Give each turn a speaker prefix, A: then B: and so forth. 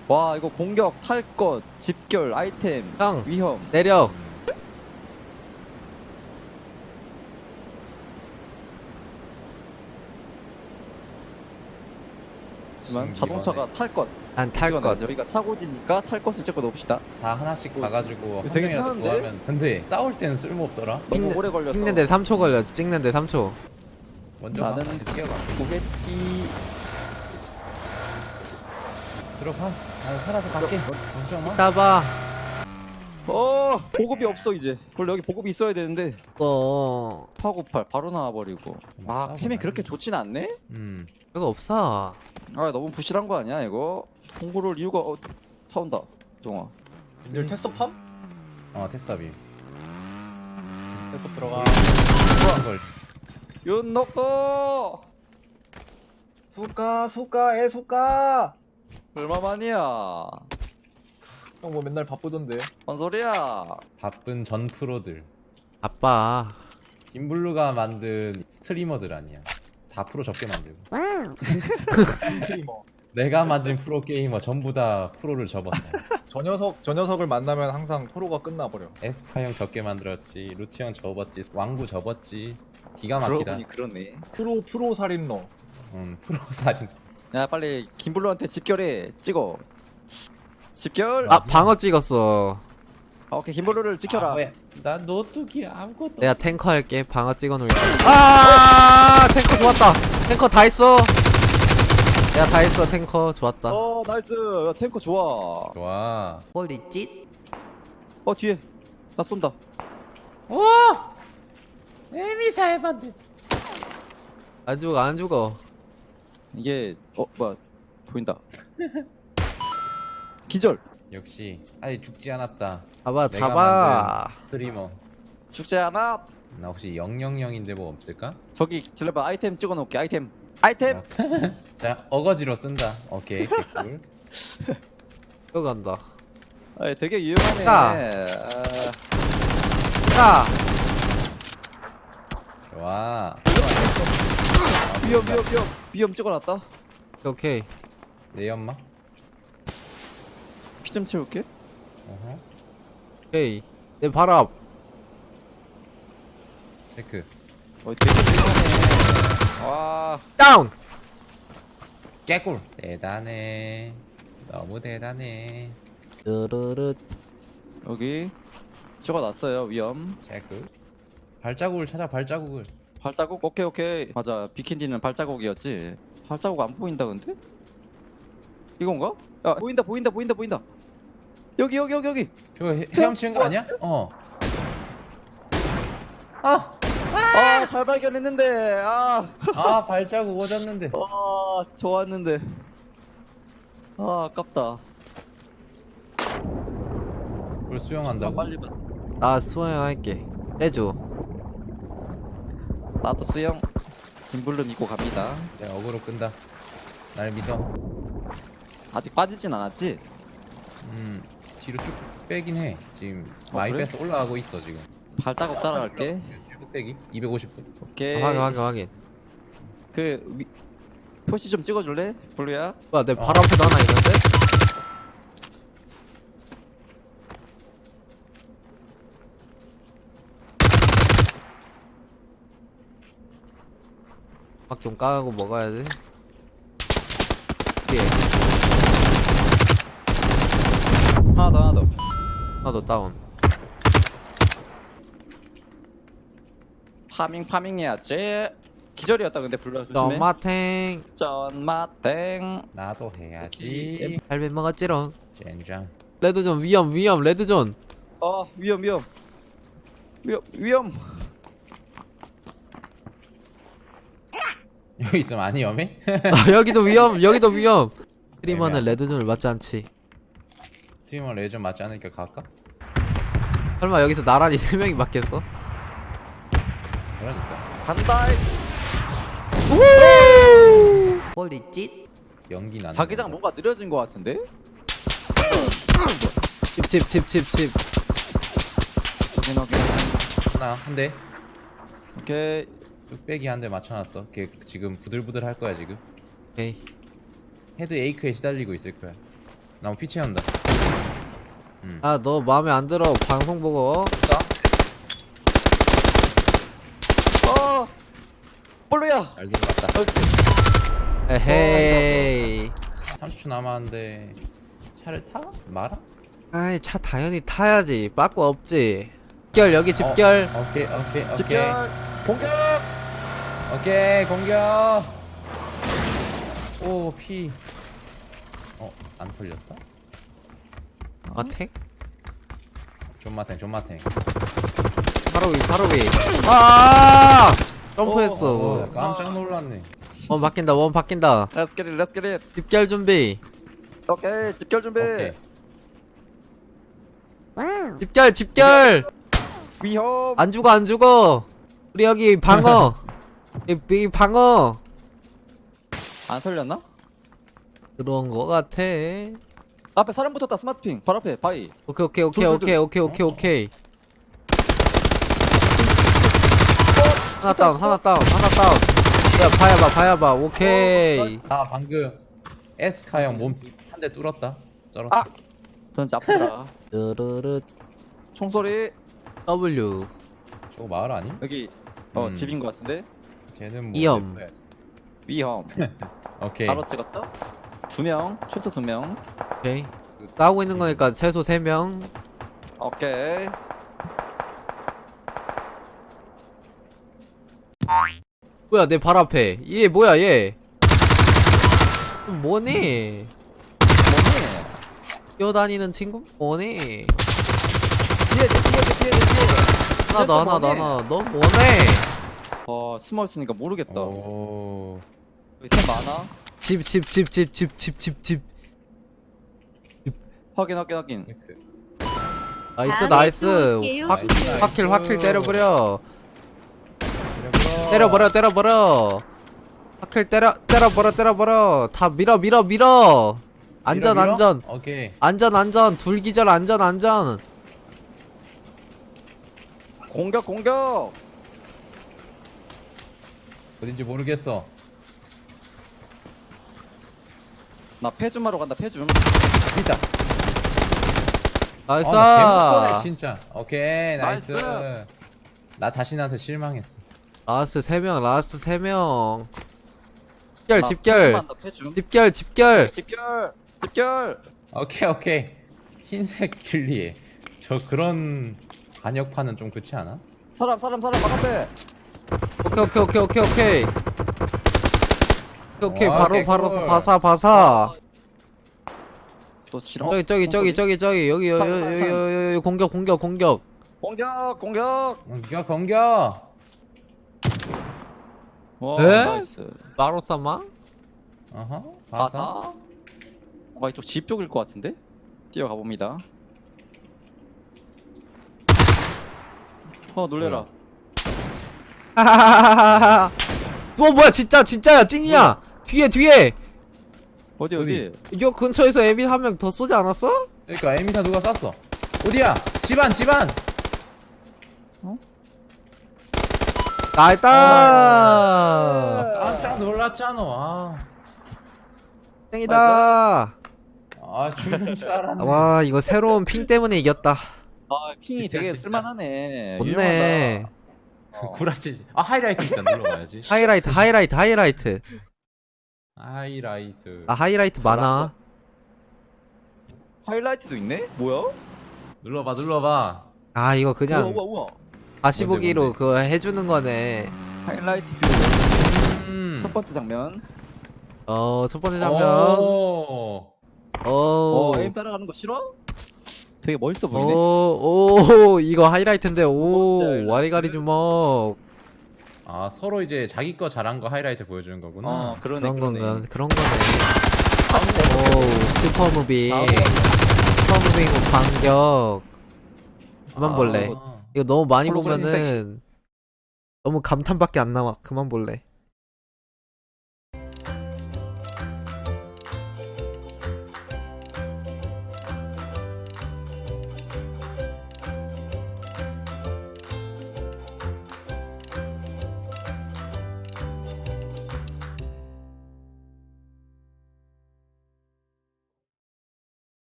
A: 와 이거 공격, 탈 것, 집결, 아이템,
B: 형
A: 위험.
B: 내려.
A: 하지만 자동차가 탈 것.
B: 난 탈 것.
A: 저희가 차고지니까 탈 것을 찍어 놓읍시다.
C: 다 하나씩 가가지고 한
A: 되게
C: 명이라도
A: 편한데?
C: 구하면. 근데 싸울 때는 쓸모없더라.
A: 너무 오래 걸려서.
B: 찍는데 3초 걸려. 찍는데 3초.
C: 먼저
A: 나는
C: 뛰어가.
A: 고객이
C: 들어가. 나는 살아서 갈게. 걱정 마.
B: 이따 봐.
A: 보급이 없어 이제. 원래 여기 보급이 있어야 되는데 파고팔 바로 나와버리고. 아 템이 그렇게 좋진 않네?
B: 그거 없어.
A: 아 너무 부실한 거 아니야 이거? 통보를 이유가 타온다 동아.
D: 이걸 테스트팜?
C: 테스업이.
D: 테스트 들어가.
C: 이걸
A: 윤덕도
D: 수가 애수가.
A: 얼마만이야?
D: 형 뭐 맨날 바쁘던데.
A: 뭔 소리야?
C: 바쁜 전 프로들.
B: 아빠.
C: 김블루가 만든 스트리머들 아니야. 다 프로 적게 만들고.
D: 스트리머.
C: 내가 만든 프로 게이머 전부 다 프로를 접었어.
D: 저 녀석을 만나면 항상 프로가 끝나버려.
C: 에스파 형 적게 만들었지. 루티 형 접었지. 왕구 접었지. 기가
A: 그러고
C: 막히다.
A: 보니 그러네.
D: 프로 살인러.
C: 프로 살인.
A: 야 빨리 김블루한테 집결해. 찍어. 집결.
B: 아 방어 찍었어.
A: 오케이 김블루를 지켜라.
C: 나 노트기 아무것도.
B: 내가 탱커 할게. 방어 찍어놓을게. 아 탱커 좋았다. 탱커 다 했어. 내가 다 했어. 탱커 좋았다.
A: 나이스. 야, 탱커 좋아.
C: 좋아.
B: 홀리 찢.
A: 뒤에 나 쏜다.
C: 와! 에미사 해봤는데.
B: 안 죽어 안 죽어.
A: 이게 뭐야 보인다. 기절.
C: 역시 아직 죽지 않았다.
B: 잡아
C: 내가
B: 잡아.
C: 만든 스트리머.
A: 죽지 않아.
C: 나 혹시 000인데 뭐 없을까?
A: 저기 들려봐. 아이템 찍어놓을게. 아이템.
C: 자, 어거지로 쓴다. 오케이, 개꿀.
B: 뛰어간다.
A: 되게 유용하네.
B: 자.
C: 좋아.
A: 위험 찍어놨다.
B: 오케이.
C: 내 연막.
A: 피 좀 채울게.
C: 어허.
B: 오케이. 내 발 앞.
C: 체크.
A: 되게 유용하네. 와.
B: 다운.
C: 개꿀. 대단해. 너무 대단해.
B: 르르르.
A: 여기 찍어놨어요. 위험.
C: 체크. 발자국을 찾아. 발자국을.
A: 발자국. 오케이. 맞아. 비킨디는 발자국이었지. 발자국 안 보인다 근데? 이건가? 야 보인다. 여기.
C: 그거 헤엄치는 거 아니야?
A: 잘 발견했는데.
C: 발자국 오졌는데.
A: 좋았는데. 아깝다.
C: 그걸 수영한다고?
A: 빨리 봤어.
B: 나 수영할게. 해줘.
A: 나도 수영. 김블루 믿고 갑니다.
C: 내가 어그로 끈다. 날 믿어.
A: 아직 빠지진 않았지?
C: 뒤로 쭉 빼긴 해. 지금 많이
A: 그래?
C: 빼서 올라가고 있어 지금.
A: 발자국 따라갈게.
C: 쭉 빼기. 250분.
A: 오케이.
B: 확인.
A: 표시 좀 찍어줄래? 블루야.
B: 뭐야 내 발 앞에도 하나 있는데? 막 좀 까고 먹어야지. 예.
A: 하나 더.
B: 하나 더 다운.
A: 파밍 해야지. 기절이었다 근데 블루야 조심해.
B: 너마탱.
A: 쩐마땡.
C: 나도 해야지.
B: 할배 먹었지롱.
C: 젠장.
B: 레드존 위험 레드존.
A: 위험.
C: 여기 있으면 안 위험해?
B: 여기도 위험. 스트리머는
C: 애매하다.
B: 레드존을 맞지 않지.
C: 스트리머 레전 맞지 않으니까 갈까?
B: 설마 여기서 나란히 3명이 맞겠어?
C: 그러니까.
A: 간다.
B: 홀리 찢.
C: 연기 나는.
A: 자기장 뭔가 느려진 것 같은데?
B: 집.
A: 확인.
C: 하나 한 대.
A: 오케이.
C: 뚝배기 한 대 맞춰놨어. 걔 지금 부들부들 할 거야 지금.
B: 오케이.
C: 헤드 에이크에 시달리고 있을 거야. 나무 피 채운다.
B: 아 너 마음에 안 들어 방송 보고.
A: 볼루야.
C: 잘 들어갔다.
B: 에헤이.
C: 30초 남았는데 차를 타? 말아?
B: 아이 차 당연히 타야지. 빠꾸 없지. 집결 여기 집결.
C: 오케이.
A: 집결. 공격.
C: 오케이 공격. 오 피. 안 털렸다?
B: 아 탱?
C: 존마탱.
B: 바로 위. 아! 점프했어.
C: 깜짝 놀랐네.
B: 원 바뀐다.
A: Let's get it.
B: 집결 준비.
A: 오케이, 집결 준비.
C: 오케이.
B: 집결.
A: 위험.
B: 안 죽어. 우리 여기 방어. 여기 방어.
A: 안 설렸나?
B: 그런 거 같아.
A: 앞에 사람 붙었다. 스마트핑. 바로 앞에 바위.
B: 오케이. 하나 다운. 야, 봐야봐. 오케이.
C: 아 방금 에스카 형 몸 한 대 뚫었다. 쩔었다.
A: 아! 전 진짜 아프더라.
B: 르르르
A: 총소리.
B: W.
C: 저거 마을 아니?
A: 여기 집인 것 같은데.
C: 쟤는 뭐
B: 이염.
C: 냈어야지.
A: 위험.
C: 오케이.
A: 바로 찍었죠? 2명. 최소 2명.
B: 오케이. 싸우고 있는 거니까 최소 3명.
A: 오케이.
B: 뭐야 내 발 앞에. 얘 뭐야 얘. 뭐니?
A: 뭐니?
B: 뛰어다니는 친구? 뭐니?
A: 뒤에.
B: 하나 더. 너 뭐네?
A: 숨어 있으니까 모르겠다.
C: 오.
A: 여기 템 많아.
B: 집.
A: 확인.
B: 나이스. 확킬 때려버려. 때려버려. 확킬 때려버려. 다 밀어. 안전.
C: 오케이.
B: 안전. 둘 기절 안전.
A: 공격.
C: 어딘지 모르겠어.
A: 나 폐줌하러 간다. 폐줌.
C: 있다.
B: 나이스.
C: 개무서네 진짜. 오케이 나이스.
A: 나이스.
C: 나 자신한테 실망했어.
B: 라스트 3명.
A: 나
B: 집결.
A: 폐줌한다, 폐줌. 집결.
C: 오케이. 흰색 길리에 저 그런 간역파는 좀 그렇지 않아?
A: 사람 막 앞에.
B: 오케이.
C: 와,
B: 바로
C: 개꿀.
B: 바사.
A: 또 싫어.
B: 저기 여기 공격.
A: 공격.
C: 공격.
A: 와,
B: 에?
A: 나이스.
B: 마로사마?
C: 어허.
A: 바사. 이쪽 집 쪽일 것 같은데? 뛰어가 봅니다. 놀래라.
B: 하하하하하. 뭐야 진짜야 찡이야. 뒤에.
A: 어디?
B: 요 근처에서 에빈 한 명 더 쏘지 않았어?
C: 그러니까 에미사 누가 쐈어? 어디야? 집안.
B: 나이다.
C: 깜짝 놀랐잖아.
B: 땡이다.
C: 죽는 줄 알았네.
B: 와 이거 새로운 핑 때문에 이겼다.
A: 핑이 되게
C: 진짜.
A: 쓸만하네.
B: 좋네.
A: 유용하다.
C: 구라치. 하이라이트 일단 눌러봐야지.
B: 하이라이트.
C: 하이라이트.
B: 하이라이트 많아.
A: 하이라이트도 있네? 뭐야?
C: 눌러봐.
B: 이거 그냥
A: 우와.
B: 다시
C: 뭔데,
B: 보기로
C: 뭔데?
B: 그거 해주는 거네.
A: 하이라이트 뷰. 첫 번째 장면.
B: 첫 번째 장면.
A: 에임 따라가는 거 싫어? 되게 멋있어 보이네.
B: 이거 하이라이트인데.
A: 번째 하이라이트.
B: 와리가리 주먹.
C: 서로 이제 자기 거 잘한 거 하이라이트 보여주는 거구나.
A: 그러네.
B: 그런 거네. 슈퍼무빙. 반격. 그만 볼래. 이거 너무 많이
A: 홀로
B: 보면은 너무 감탄밖에 안 나와. 그만 볼래.